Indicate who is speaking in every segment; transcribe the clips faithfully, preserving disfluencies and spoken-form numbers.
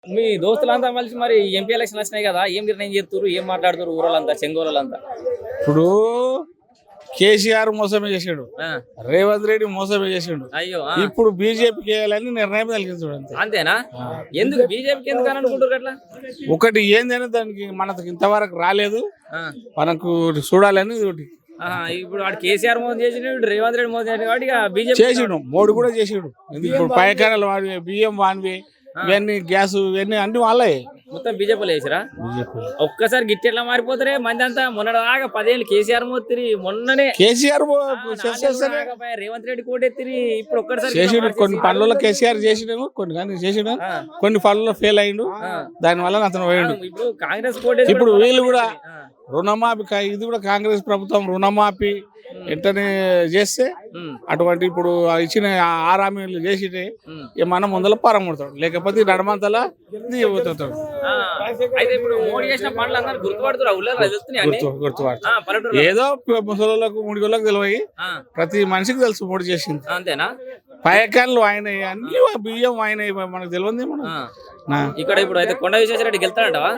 Speaker 1: మీ దోస్తులంతా కలిసి మరి MP election వచ్చినాయి కదా, ఏం నిర్ణయం చేస్తారు, ఏం మాట్లాడుతారు ఊరోళ్ళంతా, చెంగోళ్ళంతా?
Speaker 2: ఇప్పుడు కేసీఆర్ మోసమే చేసాడు,
Speaker 1: ఆ,
Speaker 2: రేవంత్ రెడ్డి మోసమే చేసాడు.
Speaker 1: అయ్యో ఆ,
Speaker 2: ఇప్పుడు బీజేపీకి వేయాలని నిర్ణయం కలిగించాడు అంతే.
Speaker 1: అంతేనా? ఎందుకు బీజేపీకి ఎందుకు అని అనుకుంటారు అట్లా?
Speaker 2: ఒకటి ఏందని దానికి మనకు ఇంతవరకు రాలేదు,
Speaker 1: ఆ,
Speaker 2: మనకు చూడాలని ఒకటి
Speaker 1: ఆహా, ఇప్పుడు వాడు కేసీఆర్ మోసం చేసిన రేవంత్ రెడ్డి మోసం చేసిన కాబట్టి ఇక బీజేపీ
Speaker 2: చేసిండు. మోడీ కూడా చేసిండు. ఇప్పుడు పైకానాలు వాడివి, బియ్యం వానివి, ఇవన్నీ గ్యాస్ ఇవన్నీ అన్ని వాళ్ళే.
Speaker 1: మొత్తం బీజేపీలో వేసిరా? ఒక్కసారి గిట్టి ఎట్లా మారిపోతారే మంది అంతా. మొన్నదాకా పదేళ్ళు కేసీఆర్ మోతిరి, మొన్ననే
Speaker 2: కేసీఆర్
Speaker 1: ఆగపాయ, రేవంత్ రెడ్డి కోటెత్తిరి, ఇప్పుడు ఒక్కసారి
Speaker 2: చేసిండు. కొన్ని పనులలో కేసీఆర్ చేసినాము, కొన్ని కానీ చేసిండు, కొన్ని పనుల్లో ఫెయిల్ అయిండు, దాని వల్ల అతను పోయిండు.
Speaker 1: ఇప్పుడు కాంగ్రెస్ కోటెత్తి
Speaker 2: ఇప్పుడు వీళ్ళు కూడా రుణమాఫీ, ఇది కూడా కాంగ్రెస్ ప్రభుత్వం రుణమాఫీ వెంటనే చేస్తే అటువంటి ఇప్పుడు ఇచ్చిన ఆరు హామీలు చేసి మనం ముందర పారముడతాడు, లేకపోతే నడమంతలా పోతాడు.
Speaker 1: అయితే ఇప్పుడు మోడీ చేసిన పనులు అందరూ గుర్తుపడుతున్నారు,
Speaker 2: గుర్తుపడతాడు. ఏదో ముసలోళ్ళకు ముడిగోళ్ళకు తెలివి, ప్రతి మనిషికి తెలుసు మోడీ చేసింది.
Speaker 1: అంతేనా?
Speaker 2: పైకాన్లు ఆయన అన్ని బియ్యం ఆయన మనకు తెలియదు. మనం
Speaker 1: ఇక్కడ ఇప్పుడు అయితే కొండ విశ్వేశ్వరరెడ్డి గెలుతాడంటవా?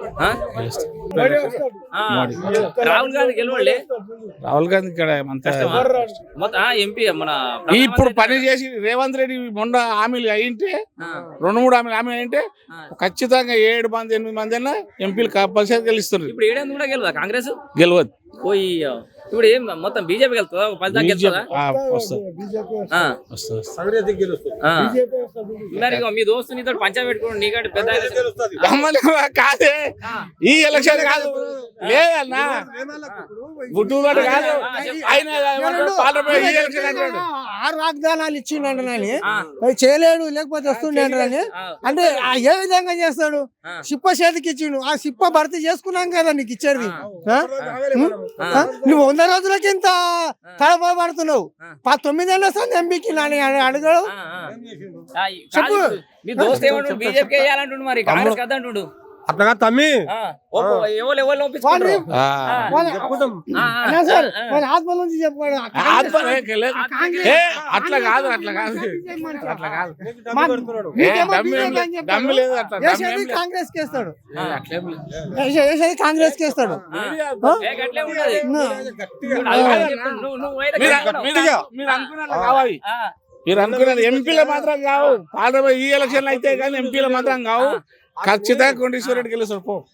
Speaker 1: రాహుల్ గాంధీ గెలవండి.
Speaker 2: రాహుల్ గాంధీ ఇక్కడ
Speaker 1: ఎంపీ మన
Speaker 2: ఇప్పుడు పని చేసి రేవంత్ రెడ్డి మొన్న హామీలు అయింటే, రెండు మూడు హామీలు హామీ అయింటే ఖచ్చితంగా ఏడు మంది ఎనిమిది మంది అయినా ఎంపీలు కంపల్సరీ గెలుస్తున్నారు.
Speaker 1: ఇప్పుడు ఏడెనిమిది కూడా గెలవదా కాంగ్రెస్?
Speaker 2: గెలవదు.
Speaker 1: పోయి ఇప్పుడు ఏం మొత్తం బీజేపీ వెళ్తుందా? పది దాకా గెలుస్తుందా? మీ దోస్తు నీతో పంచా పెట్టుకోండి, నీకంటే పెద్ద
Speaker 2: కాదే ఈ ఎలక్షన్ కాదు లేదన్నా, గుట్టూరు కాదు.
Speaker 3: ఆరు వాగ్దానాలు ఇచ్చిండని చేయలేడు, లేకపోతే వస్తుండే అని అంటే ఏ విధంగా చేస్తాడు? సిప్ప చేతికి ఇచ్చిండు, ఆ సిప్ప భర్తీ చేసుకున్నాం కదా నీకు ఇచ్చేది. నువ్వు వంద రోజులకి ఇంత తడపడుతున్నావు, తొమ్మిదేళ్ళ వస్తుంది ఎంపీకి అడగడు.
Speaker 1: మీ దోస్తు ఏమంటు బీజేపీ వేయాలంటుండు, మరి కాంగ్రెస్ కదా అంటుండు.
Speaker 3: అట్లా తమ్మి ఆత్మ నుంచి చెప్పుకోడు.
Speaker 2: అట్లా కాదు, అట్లా కాదు, అట్లా కాదు.
Speaker 3: కాంగ్రెస్ కేస్తాడు, కాంగ్రెస్ కేస్తాడు.
Speaker 2: మీరు అనుకున్నారు కావాలి, మీరు అనుకున్నారు ఎంపీలో మాత్రం కావు, పార్లమెంట్ ఈ ఎలక్షన్లు అయితే కానీ ఎంపీలో మాత్రం కావు. ఖచ్చితంగా కొండేశ్వర రెడ్డి గెలుస్తారు పో.